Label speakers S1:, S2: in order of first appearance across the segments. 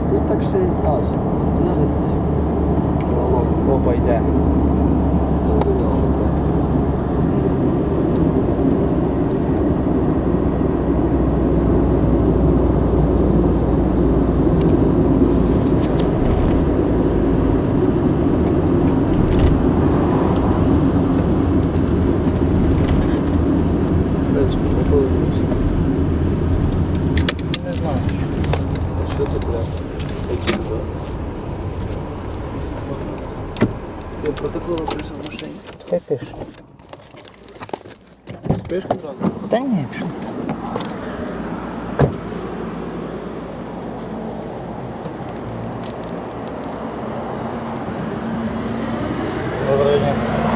S1: І так 60, даже 70. Волок.
S2: Опа, йде.
S1: Він до нього йде. В принципі, не повинніше.
S2: Не знаю.
S1: Що ти, блядь? Я протокол прийшов в машині.
S2: Хай пише.
S1: Спиш одразу?
S2: Та ні, що. Доброго дня.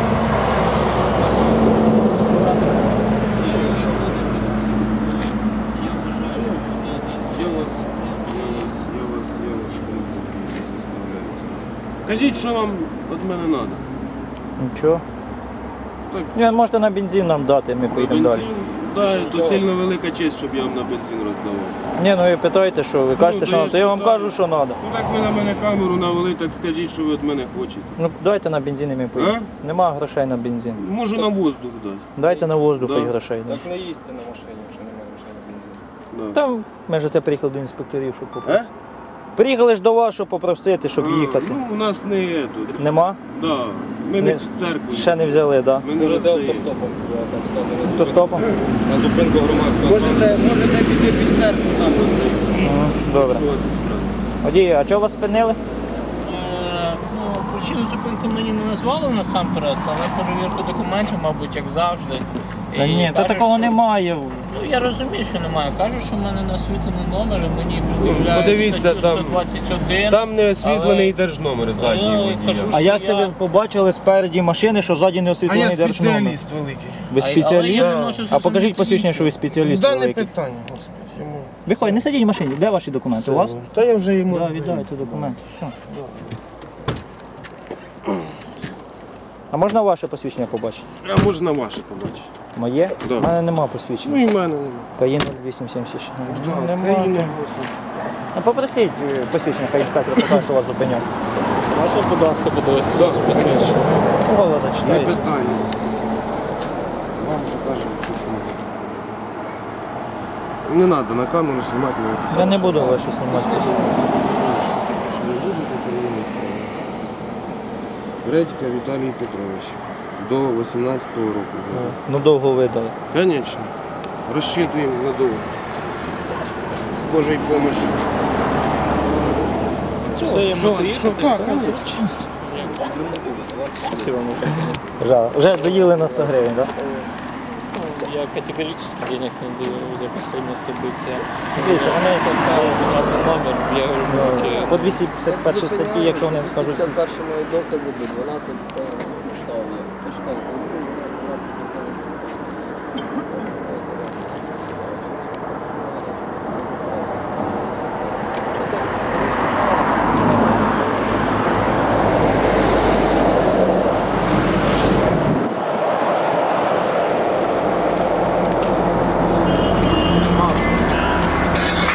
S3: Кажіть, що вам від мене треба.
S2: Нічого.
S3: Так,
S2: Ні, можете на бензин нам дати, ми поїдемо далі.
S3: Да, то сильно велика честь, щоб я вам на бензин роздавав.
S2: Ні, ну ви питаєте, що ви кажете, що
S3: то
S2: надо, то я вам
S3: так.
S2: кажу, що треба.
S3: Ну так ви на мене камеру навели, так скажіть, що ви від мене хочете.
S2: Ну дайте на бензин і ми поїдемо. Нема грошей на бензин.
S3: Можу на воздух дати.
S2: Дайте на воздух
S3: Да.
S2: і грошей. Да.
S4: Так не їсти на машині, якщо немає грошей на бензин.
S3: Да.
S2: Там ми ж це приїхали до інспекторів, щоб попросити. Приїхали ж до вас, щоб попросити, щоб їхати.
S3: Ну, у нас не є тут.
S2: Нема?
S3: Да. Ми не
S2: Не-
S3: під церквою.
S2: Ще не взяли, так? Да?
S3: Ми не
S4: Можете
S3: роздаємо.
S4: автостопом так стати на
S2: Автостопом?
S4: на зупинку громадського.
S3: Можете піти під церкву, там роздаємо.
S2: Добре.
S3: Що вас відправити?
S2: Водій, а чого вас спинили?
S5: Ну, причину зупинки мені не назвали насамперед, але перевірку документів, мабуть, як завжди.
S2: Та
S5: І
S2: ні, та
S5: кажуть,
S2: такого
S5: що-
S2: немає.
S5: Ну, я розумію, що немає. Кажуть, що в мене насвітлений номер, і мені пред'являють
S3: подивіться,
S5: статтю
S3: там-
S5: 121.
S3: Там не освітлений
S5: Але-
S3: держномер задній
S5: Я
S3: водія.
S5: кажу,
S2: А
S5: що
S2: як це
S5: я-
S2: ви побачили спереді машини, що ззаді не
S3: А я
S2: освітлений держномер?
S3: спеціаліст великий.
S2: Ви
S5: Але
S2: спеціаліст?
S5: я не можу
S2: А
S5: зрозуміти
S2: покажіть посвідчення,
S5: нічого.
S2: що ви спеціаліст
S3: Да, не
S2: великий.
S3: питання, господи. Йому...
S2: Виходь, не сидіть в машині. Де ваші документи? У вас?
S3: Та я вже йому...
S2: Так, віддайте документи. Все. А можна ваше посвідчення побачити?
S3: А можна ваше побачити?
S2: Моє?
S3: Да.
S2: У мене нема посвідчення.
S3: Ну і в мене нема.
S2: Каїн 0876.
S3: Да,
S2: Нема.
S3: країна
S2: Ну, попросіть посвідчення, хай інспектор покаже, що вас зупиняв.
S5: Можна, будь ласка, подивитися посвідчення?
S2: Голос
S3: Не
S2: зачитає.
S3: питання. Вам покажемо все, що можна. Не треба на камеру знімати на якісь.
S2: Я не буду ваше знімати.
S3: Що не будете, це не справа. Редька Віталій Петрович. До 18-го року.
S2: Ну довго видали.
S3: Конечно. Розчитуємо надовго. З Божою допомогою.
S5: Все, я можу
S3: Що?
S5: їхати?
S3: Так, конечно.
S5: Спасибо,
S2: Жал. Вже доїли на 100 гривень, так?
S5: Я категорически денег не даю за последние события.
S2: Дивіться, вони
S5: За номер, я говорю,
S2: по 251 статті, якщо вони кажуть.
S1: 51 мої докази, 12 підстав є. Почитайте.